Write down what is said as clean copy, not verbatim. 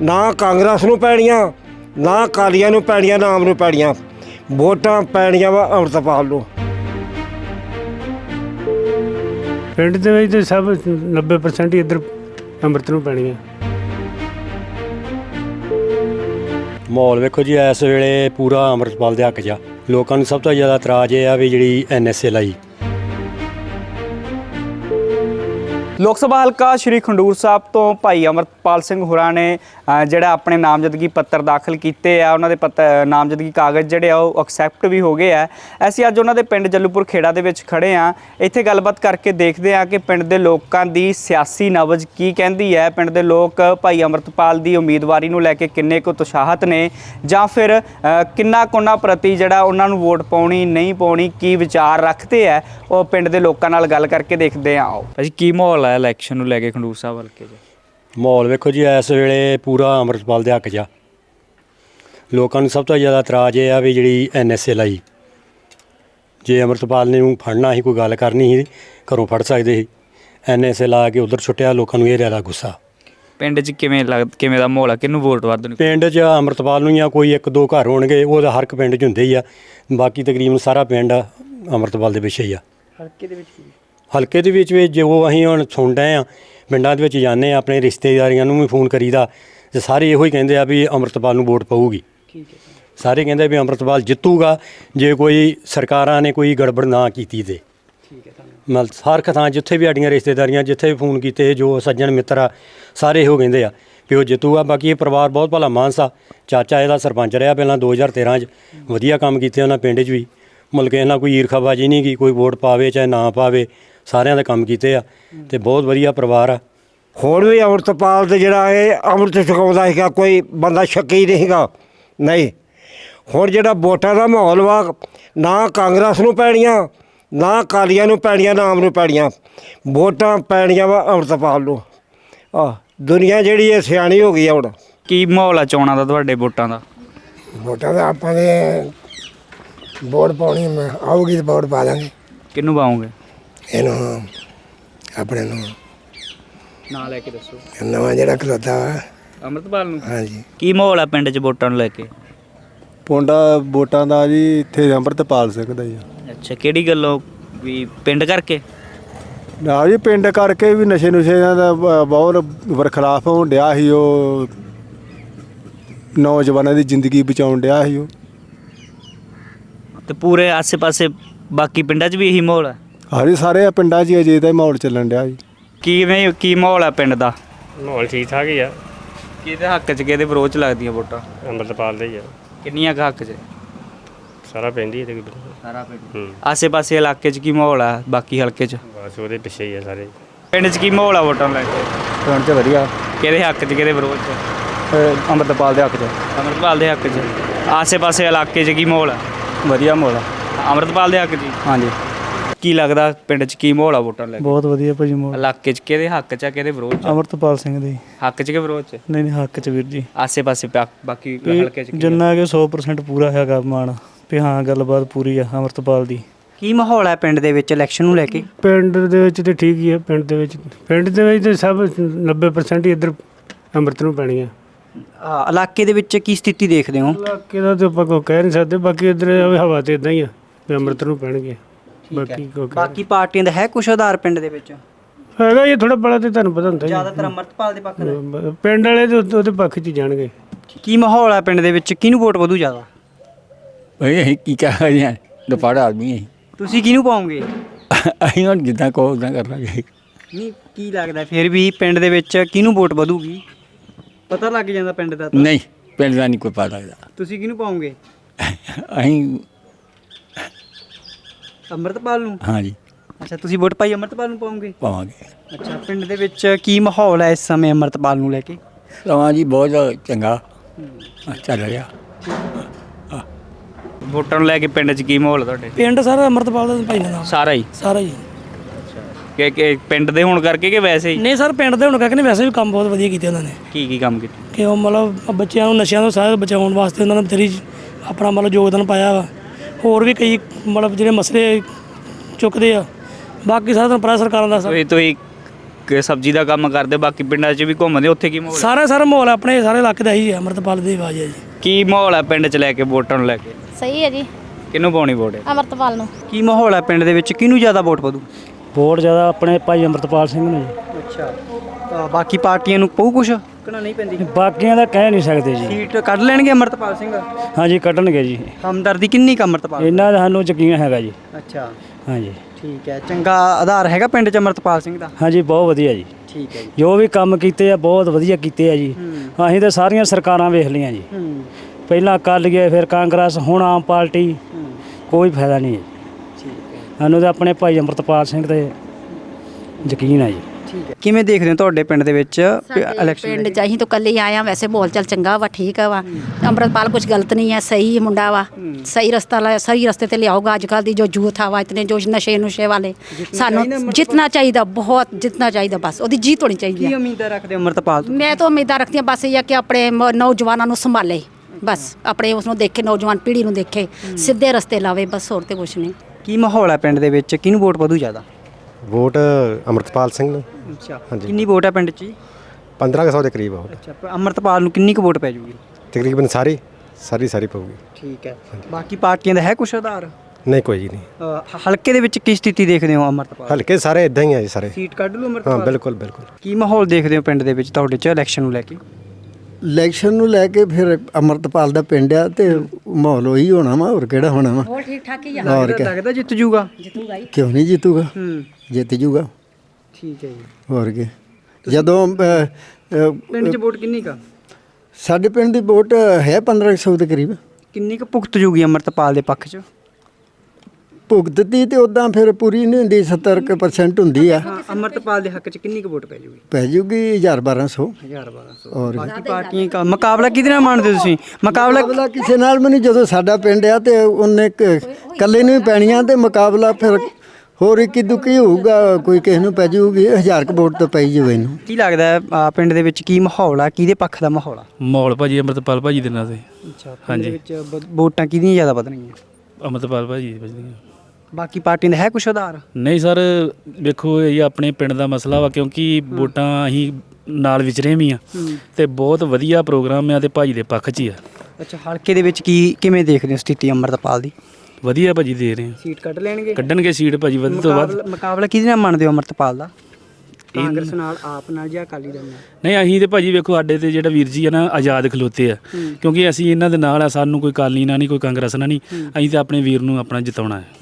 ਨਾ ਕਾਂਗਰਸ ਨੂੰ ਪੈਣੀਆਂ, ਨਾ ਅਕਾਲੀਆਂ ਨੂੰ ਪੈਣੀਆਂ, ਨਾ ਆਮ ਨੂੰ ਪੈਣੀਆਂ। ਵੋਟਾਂ ਪੈਣੀਆਂ ਵਾ ਅੰਮ੍ਰਿਤਪਾਲ ਨੂੰ। ਪਿੰਡ ਦੇ ਵਿੱਚ ਤਾਂ ਸਭ 90% ਹੀ ਇੱਧਰ ਅੰਮ੍ਰਿਤ ਨੂੰ ਪੈਣੀਆਂ। ਮਾਹੌਲ ਵੇਖੋ ਜੀ, ਇਸ ਵੇਲੇ ਪੂਰਾ ਅੰਮ੍ਰਿਤਪਾਲ ਦੇ ਹੱਕ 'ਚ ਆ। ਲੋਕਾਂ ਨੂੰ ਸਭ ਤੋਂ ਜ਼ਿਆਦਾ ਇਤਰਾਜ਼ ਇਹ ਆ ਵੀ ਜਿਹੜੀ NSA ਲਾਈ। ਲੋਕ ਸਭਾ ਹਲਕਾ ਸ਼੍ਰੀ ਖੰਡੂਰ ਸਾਹਿਬ ਤੋਂ ਭਾਈ ਅਮਰਤਪਾਲ ਸਿੰਘ ਹੋਰਾਂ ਨੇ ਜਿਹੜਾ ਆਪਣੇ ਨਾਮਜ਼ਦਗੀ ਪੱਤਰ ਦਾਖਲ ਕੀਤੇ ਆ, ਉਹਨਾਂ ਦੇ ਨਾਮਜ਼ਦਗੀ ਕਾਗਜ਼ ਜਿਹੜੇ ਆ ਉਹ ਐਕਸੈਪਟ ਵੀ ਹੋ ਗਏ ਆ। ਅਸੀਂ ਅੱਜ ਉਹਨਾਂ ਦੇ ਪਿੰਡ ਜੱਲੂਪੁਰ ਖੇੜਾ ਦੇ ਵਿੱਚ ਖੜੇ ਆ। ਇੱਥੇ ਗੱਲਬਾਤ ਕਰਕੇ ਦੇਖਦੇ ਆ ਕਿ ਪਿੰਡ ਦੇ ਲੋਕਾਂ ਦੀ ਸਿਆਸੀ ਨਬਜ਼ ਕੀ ਕਹਿੰਦੀ ਹੈ। ਪਿੰਡ ਦੇ ਲੋਕ ਭਾਈ ਅਮਰਤਪਾਲ ਦੀ ਉਮੀਦਵਾਰੀ ਨੂੰ ਲੈ ਕੇ ਕਿੰਨੇ ਕੁ ਉਤਸ਼ਾਹਤ ਨੇ, ਜਾਂ ਫਿਰ ਕਿੰਨਾ ਕੋਨਾ ਪ੍ਰਤੀ ਜਿਹੜਾ ਉਹਨਾਂ ਨੂੰ ਵੋਟ ਪਾਉਣੀ ਨਹੀਂ ਪਾਉਣੀ ਕੀ ਵਿਚਾਰ ਰੱਖਦੇ ਆ, ਉਹ ਪਿੰਡ ਦੇ ਲੋਕਾਂ ਨਾਲ ਗੱਲ ਕਰਕੇ ਦੇਖਦੇ ਆ। ਆਓ ਭਾਜੀ, ਕੀ ਮਾਹੌਲ ਹੈ ਇਲੈਕਸ਼ਨ ਨੂੰ ਲੈ ਕੇ ਖੰਡੂਰ ਸਾਹਿਬ ਹਲਕੇ 'ਚ? ਮਾਹੌਲ ਵੇਖੋ ਜੀ, ਇਸ ਵੇਲੇ ਪੂਰਾ ਅੰਮ੍ਰਿਤਪਾਲ ਦੇ ਹੱਕ 'ਚ ਆ। ਲੋਕਾਂ ਨੂੰ ਸਭ ਤੋਂ ਜ਼ਿਆਦਾ ਇਤਰਾਜ਼ ਇਹ ਆ ਵੀ ਜਿਹੜੀ NSA ਲਾਈ। ਜੇ ਅੰਮ੍ਰਿਤਪਾਲ ਨੇ ਨੂੰ ਫੜਨਾ ਸੀ, ਕੋਈ ਗੱਲ ਕਰਨੀ ਸੀ, ਘਰੋਂ ਫੜ ਸਕਦੇ ਸੀ। NSA ਲਾ ਕੇ ਉੱਧਰ ਛੁੱਟਿਆ, ਲੋਕਾਂ ਨੂੰ ਇਹ ਜ਼ਿਆਦਾ ਗੁੱਸਾ। ਪਿੰਡ 'ਚ ਕਿਵੇਂ ਦਾ ਮਾਹੌਲ ਆ? ਕਿਹਨੂੰ ਵੋਟ ਵੱਧ ਨੂੰ? ਪਿੰਡ 'ਚ ਅੰਮ੍ਰਿਤਪਾਲ ਨੂੰ ਜਾਂ ਕੋਈ ਇੱਕ ਦੋ ਘਰ ਹੋਣਗੇ, ਉਹ ਤਾਂ ਹਰ ਇੱਕ ਪਿੰਡ 'ਚ ਹੁੰਦੇ ਹੀ ਆ। ਬਾਕੀ ਤਕਰੀਬਨ ਸਾਰਾ ਪਿੰਡ ਅੰਮ੍ਰਿਤਪਾਲ ਦੇ ਪਿੱਛੇ ਹੀ ਆ। ਹਲਕੇ ਦੇ ਵਿੱਚ ਵੀ ਜੋ ਅਸੀਂ ਹੁਣ ਸੁਣ ਰਹੇ ਹਾਂ, ਪਿੰਡਾਂ ਦੇ ਵਿੱਚ ਜਾਂਦੇ ਹਾਂ, ਆਪਣੇ ਰਿਸ਼ਤੇਦਾਰੀਆਂ ਨੂੰ ਵੀ ਫੋਨ ਕਰੀਦਾ ਤੇ ਸਾਰੇ ਇਹੋ ਹੀ ਕਹਿੰਦੇ ਆ ਵੀ ਅੰਮ੍ਰਿਤਪਾਲ ਨੂੰ ਵੋਟ ਪਊਗੀ। ਸਾਰੇ ਕਹਿੰਦੇ ਵੀ ਅੰਮ੍ਰਿਤਪਾਲ ਜਿੱਤੂਗਾ ਜੇ ਕੋਈ ਸਰਕਾਰਾਂ ਨੇ ਕੋਈ ਗੜਬੜ ਨਾ ਕੀਤੀ ਤੇ। ਮਤਲਬ ਹਰ ਥਾਂ ਜਿੱਥੇ ਵੀ ਸਾਡੀਆਂ ਰਿਸ਼ਤੇਦਾਰੀਆਂ, ਜਿੱਥੇ ਵੀ ਫੋਨ ਕੀਤੇ, ਜੋ ਸੱਜਣ ਮਿੱਤਰ ਆ, ਸਾਰੇ ਇਹੋ ਕਹਿੰਦੇ ਆ ਵੀ ਉਹ ਜਿੱਤੂਗਾ। ਬਾਕੀ ਇਹ ਪਰਿਵਾਰ ਬਹੁਤ ਭਲਾ ਮਾਨਸ ਆ। ਚਾਚਾ ਇਹਦਾ ਸਰਪੰਚ ਰਿਹਾ ਪਹਿਲਾਂ 2013 'ਚ, ਵਧੀਆ ਕੰਮ ਕੀਤੇ ਉਹਨਾਂ ਪਿੰਡ 'ਚ ਵੀ। ਮਤਲਬ ਕਿ ਇਹਨਾਂ ਕੋਈ ਈਰਖਾਬਾਜੀ ਨਹੀਂ ਗੀ, ਕੋਈ ਵੋਟ ਪਾਵੇ ਚਾਹੇ ਨਾ ਪਾਵੇ, ਸਾਰਿਆਂ ਦੇ ਕੰਮ ਕੀਤੇ ਆ ਤੇ ਬਹੁਤ ਵਧੀਆ ਪਰਿਵਾਰ ਆ। ਹੁਣ ਵੀ ਅੰਮ੍ਰਿਤਪਾਲ ਦੇ ਜਿਹੜਾ ਇਹ ਅੰਮ੍ਰਿਤ ਛਕਾਉਂਦਾ ਸੀਗਾ, ਕੋਈ ਬੰਦਾ ਸ਼ੱਕੀ ਨਹੀਂ ਸੀਗਾ। ਨਹੀਂ, ਹੁਣ ਜਿਹੜਾ ਵੋਟਾਂ ਦਾ ਮਾਹੌਲ ਵਾ, ਨਾ ਕਾਂਗਰਸ ਨੂੰ ਪੈਣੀਆਂ, ਨਾ ਅਕਾਲੀਆਂ ਨੂੰ ਪੈਣੀਆਂ, ਨਾ ਆਮ ਨੂੰ ਪੈਣੀਆਂ। ਵੋਟਾਂ ਪੈਣੀਆਂ ਵਾ ਅੰਮ੍ਰਿਤਪਾਲ ਨੂੰ। ਦੁਨੀਆ ਜਿਹੜੀ ਇਹ ਸਿਆਣੀ ਹੋ ਗਈ ਆ ਹੁਣ। ਕੀ ਮਾਹੌਲ ਆ ਚੋਣਾਂ ਦਾ ਤੁਹਾਡੇ ਵੋਟਾਂ ਦਾ? ਵੋਟਾਂ ਦਾ ਆਪਾਂ ਦੇ ਵੋਟ ਪਾਉਣੀ ਆਊਗੀ ਤਾਂ ਵੋਟ ਪਾ ਦਾਂਗੇ। ਕਿਹਨੂੰ ਪਾਓਗੇ? ਇਹਨੂੰ ਆਪਣੇ ਨੂੰ ਨਾਂ ਲੈ ਕੇ ਦੱਸੋ। ਨਵਾਂ ਜਿਹੜਾ ਖਲੋਤਾ ਵਾ, ਅਮਰਤਪਾਲ ਨੂੰ। ਹਾਂਜੀ। ਕੀ ਮਾਹੌਲ ਆ ਪਿੰਡ 'ਚ ਵੋਟਾਂ ਨੂੰ ਲੈ ਕੇ? ਵੋਟਾਂ ਦਾ ਜੀ ਇੱਥੇ ਅੰਮ੍ਰਿਤਪਾਲ ਸਿੰਘ ਦਾ ਹੀ ਆ। ਅੱਛਾ, ਕਿਹੜੀ ਗੱਲੋਂ? ਵੀ ਪਿੰਡ ਕਰਕੇ? ਨਾ ਜੀ, ਪਿੰਡ ਕਰਕੇ ਵੀ ਨਸ਼ੇ ਨੁਸ਼ੇ ਦਾ ਬਹੁਤ ਵਰਖਲਾਫ ਹੋਣ ਡਿਆ ਸੀ। ਉਹ ਨੌਜਵਾਨਾਂ ਦੀ ਜ਼ਿੰਦਗੀ ਬਚਾਉਣ ਡਿਆ ਸੀ ਉਹ। ਤੇ ਪੂਰੇ ਆਸੇ-ਪਾਸੇ ਬਾਕੀ ਪਿੰਡਾਂ 'ਚ ਵੀ ਇਹੀ ਮਾਹੌਲ ਆ? ਹਾਂਜੀ, ਸਾਰੇ ਪਿੰਡਾਂ 'ਚ ਹੀ ਅਜੇ ਦਾ ਹੀ ਮਾਹੌਲ ਚੱਲਣ ਡਿਆ ਜੀ। ਕੀ ਮਾਹੌਲ ਆ ਪਿੰਡ ਦਾ? ਮਾਹੌਲ ਠੀਕ ਠਾਕ ਹੀ ਆ। ਕਿਹਦੇ ਹੱਕ 'ਚ ਕਿਹਦੇ ਵਿਰੋਧ 'ਚ ਲੱਗਦੀਆਂ ਵੋਟਾਂ? ਅੰਮ੍ਰਿਤਪਾਲ ਦਾ ਹੀ ਆ। ਕਿੰਨੀਆਂ ਕੁ ਹੱਕ 'ਚ? ਸਾਰਾ ਪਿੰਡ ਹੀ ਤਕਰੀਬਨ। ਸਾਰਾ ਪਿੰਡ। ਆਸੇ-ਪਾਸੇ ਇਲਾਕੇ 'ਚ ਕੀ ਮਾਹੌਲ ਆ? ਬਾਕੀ ਹਲਕੇ 'ਚ? ਬਸ ਉਹਦੇ ਪਿੱਛੇ ਹੀ ਆ ਸਾਰੇ। ਪਿੰਡ 'ਚ ਕੀ ਮਾਹੌਲ ਆ ਵੋਟਾਂ ਨੂੰ ਲੈ ਕੇ? ਪਿੰਡ 'ਚ ਵਧੀਆ। ਕਿਹਦੇ ਹੱਕ 'ਚ ਕਿਹਦੇ ਵਿਰੋਧ 'ਚ? ਅੰਮ੍ਰਿਤਪਾਲ ਦੇ ਹੱਕ 'ਚ ਅਮਰਤਪਾਲ ਦੇ ਹੱਕ 'ਚ। ਆਸੇ-ਪਾਸੇ ਇਲਾਕੇ 'ਚ ਕੀ ਮਾਹੌਲ ਆ? ਵਧੀਆ ਮਾਹੌਲ ਆ। ਅਮਰਤਪਾਲ ਦੇ ਹੱਕ 'ਚ? ਹਾਂਜੀ, ਕੀ ਲੱਗਦਾ ਪਿੰਡ 'ਚ ਕੀ ਮਾਹੌਲ ਆ ਵੋਟਾਂ ਨੂੰ ਲੈ ਕੇ? ਬਹੁਤ ਵਧੀਆ ਭਾਜੀ ਮਾਹੌਲ। ਇਲਾਕੇ 'ਚ ਕਿਹਦੇ ਹੱਕ 'ਚ ਆ, ਕਿਹਦੇ ਵਿਰੋਧ 'ਚ? ਅੰਮ੍ਰਿਤਪਾਲ ਸਿੰਘ ਦੇ ਹੱਕ 'ਚ ਕਿ ਵਿਰੋਧ 'ਚ? ਨਹੀਂ ਹੱਕ 'ਚ ਵੀਰ ਜੀ। ਆਸੇ-ਪਾਸੇ ਬਾਕੀ ਹਲਕੇ 'ਚ ਕੀ ਆ? ਜਿੰਨਾ ਕਿ 100% ਪੂਰਾ ਹੈਗਾ ਮਾਣ ਵੀ ਹਾਂ, ਗੱਲਬਾਤ ਪੂਰੀ ਆ ਅੰਮ੍ਰਿਤਪਾਲ ਦੀ। ਕੀ ਮਾਹੌਲ ਹੈ ਪਿੰਡ ਦੇ ਵਿੱਚ ਇਲੈਕਸ਼ਨ ਨੂੰ ਲੈ ਕੇ? ਪਿੰਡ ਦੇ ਵਿੱਚ ਤਾਂ ਠੀਕ ਹੀ ਆ। ਪਿੰਡ ਦੇ ਵਿੱਚ ਤਾਂ ਸਭ 90% ਹੀ ਇੱਧਰ ਅੰਮ੍ਰਿਤ ਨੂੰ ਪੈਣੀਆਂ। ਇਲਾਕੇ ਦੇ ਵਿੱਚ ਕੀ ਸਥਿਤੀ ਦੇਖਦੇ ਹੋ? ਇਲਾਕੇ ਦਾ ਤਾਂ ਆਪਾਂ ਕੋਈ ਕਹਿ ਨਹੀਂ ਸਕਦੇ। ਬਾਕੀ ਇੱਧਰ ਹਵਾ ਤਾਂ ਇੱਦਾਂ ਹੀ ਆ ਵੀ ਅੰਮ੍ਰਿਤ ਨੂੰ ਪੈਣਗੇ। ਬਾਕੀ ਪਾਰਟੀਆਂ ਦਾ ਹੈ ਕੁਛ ਆਧਾਰ ਪਿੰਡ ਦੇ ਵਿੱਚ? ਹੈਗਾ ਇਹ ਥੋੜਾ ਬੜਾ ਤੇ ਤੁਹਾਨੂੰ ਪਤਾ ਹੁੰਦਾ ਜ਼ਿਆਦਾਤਰ ਅੰਮ੍ਰਿਤਪਾਲ ਦੇ ਪੱਖ ਦਾ। ਪਿੰਡ ਵਾਲੇ ਤੇ ਉਹਦੇ ਪੱਖ 'ਚ ਜਾਣਗੇ। ਕੀ ਮਾਹੌਲ ਹੈ ਪਿੰਡ ਦੇ ਵਿੱਚ? ਕਿਹਨੂੰ ਵੋਟ ਵਧੂ ਜ਼ਿਆਦਾ? ਭਾਈ ਅਸੀਂ ਕੀ ਕਹਿ ਰਹੇ ਹਾਂ, ਦੁਪਹਿਰ ਆਦਮੀ ਅਸੀਂ। ਤੁਸੀਂ ਕਿਹਨੂੰ ਪਾਓਗੇ? ਅਸੀਂ ਹੁਣ ਜਿੱਦਾਂ ਕਹੋ ਉੱਦਾਂ ਕਰ ਲਾਂਗੇ। ਨਹੀਂ, ਕੀ ਲੱਗਦਾ ਫਿਰ ਵੀ ਪਿੰਡ ਦੇ ਵਿੱਚ ਕਿਹਨੂੰ ਵੋਟ ਵਧੂਗੀ? ਪਤਾ ਲੱਗ ਜਾਂਦਾ ਪਿੰਡ ਦਾ ਤਾਂ। ਨਹੀਂ, ਪਿੰਡ ਦਾ ਨਹੀਂ ਕੋਈ ਪਤਾ ਲੱਗਦਾ। ਤੁਸੀਂ ਕਿਹਨੂੰ ਪਾਓਗੇ? ਅਸੀਂ ਅੰਮ੍ਰਿਤਪਾਲ ਨੂੰ? ਹਾਂਜੀ ਅੱਛਾ, ਤੁਸੀਂ ਵੋਟ ਪਾਈ ਅੰਮ੍ਰਿਤਪਾਲ ਨੂੰ ਪਾਓਗੇ? ਪਾਵਾਂਗੇ। ਅੱਛਾ, ਪਿੰਡ ਦੇ ਵਿੱਚ ਕੀ ਮਾਹੌਲ ਹੈ ਇਸ ਸਮੇਂ ਅੰਮ੍ਰਿਤਪਾਲ ਨੂੰ ਲੈ ਕੇ? ਸਮਾਂ ਜੀ ਬਹੁਤ ਚੰਗਾ ਚੱਲ ਰਿਹਾ। ਵੋਟਾਂ ਨੂੰ ਲੈ ਕੇ ਪਿੰਡ 'ਚ ਕੀ ਮਾਹੌਲ ਤੁਹਾਡੇ? ਪਿੰਡ ਸਾਰਾ ਅੰਮ੍ਰਿਤਪਾਲ ਦਾ ਭਾਈ ਦਾ ਨਾਮ ਸਾਰਾ ਹੀ? ਸਾਰਾ ਹੀ। ਕਿ ਪਿੰਡ ਦੇ ਹੋਣ ਕਰਕੇ ਕਿ ਵੈਸੇ ਹੀ? ਨਹੀਂ ਸਰ, ਪਿੰਡ ਦੇ ਹੁਣ ਕਰਕੇ ਨਹੀਂ, ਵੈਸੇ ਵੀ ਕੰਮ ਬਹੁਤ ਵਧੀਆ ਕੀਤੇ ਉਹਨਾਂ ਨੇ। ਕੀ ਕੰਮ ਕੀਤਾ? ਕਿ ਉਹ ਮਤਲਬ ਬੱਚਿਆਂ ਨੂੰ ਨਸ਼ਿਆਂ ਤੋਂ ਸਾਰੇ ਬਚਾਉਣ ਵਾਸਤੇ ਉਹਨਾਂ ਨੇ ਬਥੇਰੀ ਆਪਣਾ ਮਤਲਬ ਯੋਗਦਾਨ ਪਾਇਆ ਵਾ। ਹੋਰ ਵੀ ਕਈ ਮਤਲਬ ਜਿਹੜੇ ਮਸਲੇ ਚੁੱਕਦੇ ਆ। ਬਾਕੀ ਸਾਰਾ ਤੁਹਾਨੂੰ ਪਤਾ ਸਰਕਾਰਾਂ ਦਾ ਤੁਸੀਂ ਸਬਜ਼ੀ ਦਾ ਕੰਮ ਕਰਦੇ, ਬਾਕੀ ਪਿੰਡਾਂ 'ਚ ਵੀ ਘੁੰਮਦੇ, ਉੱਥੇ ਕੀ ਮਾਹੌਲ ਹੈ? ਸਾਰਾ ਮਾਹੌਲ ਆਪਣੇ ਸਾਰੇ ਇਲਾਕੇ ਦਾ ਹੀ ਹੈ, ਅੰਮ੍ਰਿਤਪਾਲ ਦੀ ਆਵਾਜ਼ ਹੈ ਜੀ। ਕੀ ਮਾਹੌਲ ਹੈ ਪਿੰਡ 'ਚ ਲੈ ਕੇ, ਵੋਟਾਂ ਨੂੰ ਲੈ ਕੇ? ਸਹੀ ਹੈ ਜੀ, ਕਿਹਨੂੰ ਪਾਉਣੀ ਵੋਟ? ਅਮਰਤਪਾਲ ਨੂੰ। ਕੀ ਮਾਹੌਲ ਹੈ ਪਿੰਡ ਦੇ ਵਿੱਚ, ਕਿਹਨੂੰ ਜ਼ਿਆਦਾ ਵੋਟ ਵਧੂ? ਵੋਟ ਜ਼ਿਆਦਾ ਆਪਣੇ ਭਾਈ ਅੰਮ੍ਰਿਤਪਾਲ ਸਿੰਘ ਨੂੰ ਜੀ। ਅੱਛਾ, ਬਾਕੀ ਪਾਰਟੀਆਂ ਨੂੰ ਪਊ ਕੁਛ ਕਿਹਨਾਂ ਨਹੀਂ ਪੈਂਦੀ? ਬਾਕੀਆਂ ਦਾ ਕਹਿ ਨਹੀਂ ਸਕਦੇ ਜੀ। ਸੀਟ ਕੱਢ ਲੈਣਗੇ ਅਮਰਤਪਾਲ ਸਿੰਘ? ਹਾਂਜੀ ਕੱਢਣਗੇ ਜੀ, ਹਮਦਰਦੀ ਕਿੰਨੀ ਕੁ ਅਮਰਤਪਾਲ? ਇਹਨਾਂ ਦਾ ਸਾਨੂੰ ਯਕੀਨ ਹੈਗਾ ਜੀ। ਅੱਛਾ, ਹਾਂਜੀ ਠੀਕ ਹੈ। ਚੰਗਾ ਆਧਾਰ ਹੈਗਾ ਪਿੰਡ 'ਚ ਅਮਰਤਪਾਲ ਸਿੰਘ ਦਾ? ਹਾਂਜੀ ਬਹੁਤ ਵਧੀਆ ਜੀ, ਠੀਕ ਹੈ ਜੀ। ਜੋ ਵੀ ਕੰਮ ਕੀਤੇ ਆ ਬਹੁਤ ਵਧੀਆ ਕੀਤੇ ਆ ਜੀ। ਅਸੀਂ ਤਾਂ ਸਾਰੀਆਂ ਸਰਕਾਰਾਂ ਵੇਖ ਲਈਆਂ ਜੀ, ਪਹਿਲਾਂ ਅਕਾਲੀ, ਫਿਰ ਕਾਂਗਰਸ, ਹੁਣ ਆਮ ਪਾਰਟੀ, ਕੋਈ ਫਾਇਦਾ ਨਹੀਂ ਹੈ। ਸਾਨੂੰ ਤਾਂ ਆਪਣੇ ਭਾਈ ਅੰਮ੍ਰਿਤਪਾਲ ਸਿੰਘ ਤੇ ਯਕੀਨ ਹੈ ਜੀ। ਠੀਕ ਹੈ, ਕਿਵੇਂ ਦੇਖਦੇ ਹੋ ਤੁਹਾਡੇ ਪਿੰਡ ਦੇ ਵਿੱਚ ਇਲੈਕਸ਼ਨ? ਪਿੰਡ ਚ ਅਸੀਂ ਤਾਂ ਕੱਲੇ ਆਏ ਆ, ਵੈਸੇ ਬੋਲ ਚਾਲ ਚੰਗਾ ਵਾ, ਠੀਕ ਵਾ। ਅੰਮ੍ਰਿਤਪਾਲ ਕੁਝ ਗਲਤ ਨਹੀਂ ਹੈ, ਸਹੀ ਮੁੰਡਾ ਵਾ, ਸਹੀ ਸਹੀ ਰਸਤੇ ਤੇ ਲਿਆਊਗਾ। ਅੱਜ ਕੱਲ ਦੀ ਜੋ ਯੂਥ ਆ ਇਤਨੇ ਜੋ ਨਸ਼ੇ ਵਾਲੇ, ਸਾਨੂੰ ਜਿੱਤਣਾ ਚਾਹੀਦਾ, ਬਹੁਤ ਜਿੱਤਣਾ ਚਾਹੀਦਾ, ਬਸ ਉਹਦੀ ਜੀਤ ਹੋਣੀ ਚਾਹੀਦੀ ਕੀ ਹੈ। ਉਮੀਦਾਂ ਰੱਖਦੇ ਹੋ ਅਮਰਤਪਾਲ ਤੋਂ? ਮੈਂ ਤਾਂ ਉਮੀਦਾਂ ਰੱਖਦੀ ਹਾਂ ਬਸ ਇਹ ਹੈ ਕਿ ਆਪਣੇ ਨੌਜਵਾਨਾਂ ਨੂੰ ਸੰਭਾਲੇ, ਬਸ ਆਪਣੇ ਉਸ ਨੂੰ ਦੇਖੇ, ਨੌਜਵਾਨ ਪੀੜ੍ਹੀ ਨੂੰ ਦੇਖੇ, ਸਿੱਧੇ ਰਸਤੇ ਲਾਵੇ, ਬਸ ਹੋਰ ਤੇ ਕੁਝ ਨਹੀਂ। ਕੀ ਮਾਹੌਲ ਹੈ ਪਿੰਡ ਦੇ ਵਿੱਚ, ਕਿਹਨੂੰ ਵੋਟ ਵਧੂ ਜ਼ਿਆਦਾ? ਵੋਟ ਅੰਮ੍ਰਿਤਪਾਲ ਸਿੰਘ ਨੂੰ। ਅੱਛਾ, ਕਿੰਨੀ ਵੋਟ ਹੈ ਪਿੰਡ 'ਚ ਜੀ? 1500 ਦੇ ਕਰੀਬ ਆ। ਅੱਛਾ, ਅੰਮ੍ਰਿਤਪਾਲ ਨੂੰ ਕਿੰਨੀ ਕੁ ਵੋਟ ਪੈ ਜੂਗੀ? ਤਕਰੀਬਨ ਸਾਰੀ ਪਊਗੀ। ਠੀਕ ਹੈ, ਬਾਕੀ ਪਾਰਟੀਆਂ ਦਾ ਹੈ ਕੁਛ ਆਧਾਰ? ਨਹੀਂ ਕੋਈ ਨਹੀਂ। ਹਲਕੇ ਦੇ ਵਿੱਚ ਕੀ ਸਥਿਤੀ ਦੇਖਦੇ ਹੋ ਅਮਰਤਪਾਲ? ਹਲਕੇ ਸਾਰੇ ਇਦਾਂ ਹੀ ਆ ਜੀ ਸਾਰੇ। ਸੀਟ ਕੱਢ ਲੂ ਹਾਂ ਅਮਰਤਪਾਲ? ਬਿਲਕੁਲ ਬਿਲਕੁਲ। ਕੀ ਮਾਹੌਲ ਦੇਖਦੇ ਹੋ ਪਿੰਡ ਦੇ ਵਿੱਚ ਤੁਹਾਡੇ 'ਚ ਇਲੈਕਸ਼ਨ ਨੂੰ ਲੈ ਕੇ? ਇਲੈਕਸ਼ਨ ਨੂੰ ਲੈ ਕੇ ਫਿਰ ਅੰਮ੍ਰਿਤਪਾਲ ਦਾ ਪਿੰਡ ਆ ਤੇ ਮਾਹੌਲ ਉਹੀ ਹੋਣਾ ਵਾ, ਹੋਰ ਕਿਹੜਾ ਹੋਣਾ ਵਾ। ਹੋਰ ਠੀਕ ਠਾਕ ਹੀ ਆ, ਹੋਰ ਕਿਆ, ਲੱਗਦਾ ਜਿੱਤ ਜੂਗਾ? ਜਿੱਤੂਗਾ ਹੀ। ਕਿਉਂ ਨਹੀਂ ਜਿੱਤੂਗਾ, ਜਿੱਤ ਜੂਗਾ। ਠੀਕ ਹੈ ਜੀ। ਹੋਰ ਕੀ, ਜਦੋਂ ਪਿੰਡ 'ਚ ਵੋਟ ਕਿੰਨੀ ਕਾ? ਸਾਡੇ ਪਿੰਡ ਦੀ ਵੋਟ ਹੈ 1500 ਦੇ ਕਰੀਬ। ਕਿੰਨੀ ਕੁ ਭੁਗਤ ਜੂਗੀ ਅਮਰਤਪਾਲ ਦੇ ਪੱਖ 'ਚ? ਭੁਗਤਦੀ ਤੇ ਉਦਾਂ ਫਿਰ ਪੂਰੀ ਨਹੀਂ ਹੁੰਦੀ, 70% ਹੁੰਦੀ ਆ। ਹਾਂ, ਅਮਰਤਪਾਲ ਦੇ ਹੱਕ 'ਚ ਕਿੰਨੀ ਕੁ ਵੋਟ ਪੈ ਜੂਗੀ? ਪੈ ਜੂਗੀ 1000-1200। 1200। ਹੋਰ ਬਾਕੀ ਪਾਰਟੀਆਂ ਦਾ ਮੁਕਾਬਲਾ ਕਿਹਦੇ ਨਾਲ ਮੰਨਦੇ ਤੁਸੀਂ? ਮੁਕਾਬਲਾ ਕਿਸੇ ਨਾਲ ਵੀ ਨਹੀਂ, ਜਦੋਂ ਸਾਡਾ ਪਿੰਡ ਆ ਤੇ ਉਹਨੇ ਇਕੱਲੇ ਨੂੰ ਹੀ ਪੈਣੀਆਂ ਤੇ ਮੁਕਾਬਲਾ ਫਿਰ ਹੋਰ ਇੱਕੀ ਦੁੱਕੀ ਹੋਊਗਾ, ਕੋਈ ਕਿਸੇ ਨੂੰ ਪੈ ਜੂਗੀ 1000 ਕੁ ਵੋਟ ਤਾਂ ਪਈ ਜਾਵੇ ਇਹਨੂੰ। ਕੀ ਲੱਗਦਾ ਹੈ ਪਿੰਡ ਦੇ ਵਿੱਚ ਕੀ ਮਾਹੌਲ ਆ, ਕਿਹਦੇ ਪੱਖ ਦਾ ਮਾਹੌਲ ਆ? ਮਾਹੌਲ ਭਾਜੀ ਅੰਮ੍ਰਿਤਪਾਲ ਭਾਜੀ ਦੇ ਨਾਂ ਤੇ। ਅੱਛਾ, ਪਿੰਡ ਦੇ ਵਿੱਚ ਵੋਟਾਂ ਕਿਹਦੀਆਂ ਜ਼ਿਆਦਾ ਵਧਣਗੀਆਂ? ਅੰਮ੍ਰਿਤਪਾਲ ਭਾਜੀ ਵੱਜਦੀਆਂ। ਬਾਕੀ ਪਾਰਟੀਆਂ ਦਾ ਹੈ ਕੁਛ ਆਧਾਰ? ਨਹੀਂ ਸਰ, ਵੇਖੋ ਇਹ ਆਪਣੇ ਪਿੰਡ ਦਾ ਮਸਲਾ ਵਾ, ਕਿਉਂਕਿ ਵੋਟਾਂ ਅਸੀਂ ਨਾਲ ਵਿਚਰੇ ਵੀ ਆ ਤੇ ਬਹੁਤ ਵਧੀਆ ਪ੍ਰੋਗਰਾਮ ਆ ਤੇ ਭਾਜੀ ਦੇ ਪੱਖ 'ਚ ਹੀ ਆ। ਅੱਛਾ, ਹਲਕੇ ਦੇ ਵਿੱਚ ਕਿਵੇਂ ਦੇਖਦੇ ਹੋ ਸਥਿਤੀ ਅੰਮ੍ਰਿਤਪਾਲ ਦੀ? ਵਧੀਆ ਭਾਜੀ ਦੇ ਰਹੇ ਆ, ਸੀਟ ਕੱਢ ਲੈਣਗੇ? ਕੱਢਣਗੇ ਸੀਟ ਭਾਜੀ ਵੱਧ ਤੋਂ ਵੱਧ। ਮੁਕਾਬਲਾ ਕਿਹਦੇ ਨਾਲ ਮੰਨਦੇ ਹੋ ਅੰਮ੍ਰਿਤਪਾਲ ਦਾ? ਕਾਂਗਰਸ ਨਾਲ, ਆਪ ਨਾਲ ਜਾਂ ਅਕਾਲੀ ਦਲ ਨਾਲ? ਨਹੀਂ ਅਸੀਂ ਤੇ ਭਾਜੀ ਵੇਖੋ ਸਾਡੇ ਤੇ ਜਿਹੜਾ ਵੀਰ ਜੀ ਆ ਨਾ ਆਜ਼ਾਦ ਖਲੋਤੇ ਆ, ਕਿਉਂਕਿ ਅਸੀਂ ਇਹਨਾਂ ਦੇ ਨਾਲ ਆ, ਸਾਨੂੰ ਕੋਈ ਅਕਾਲੀ ਨਾਲ ਨਹੀਂ, ਕੋਈ ਕਾਂਗਰਸ ਨਾਲ ਨਹੀਂ, ਅਸੀਂ ਤੇ ਆਪਣੇ ਵੀਰ ਨੂੰ ਆਪਣਾ ਜਿਤਾਉਣਾ ਹੈ।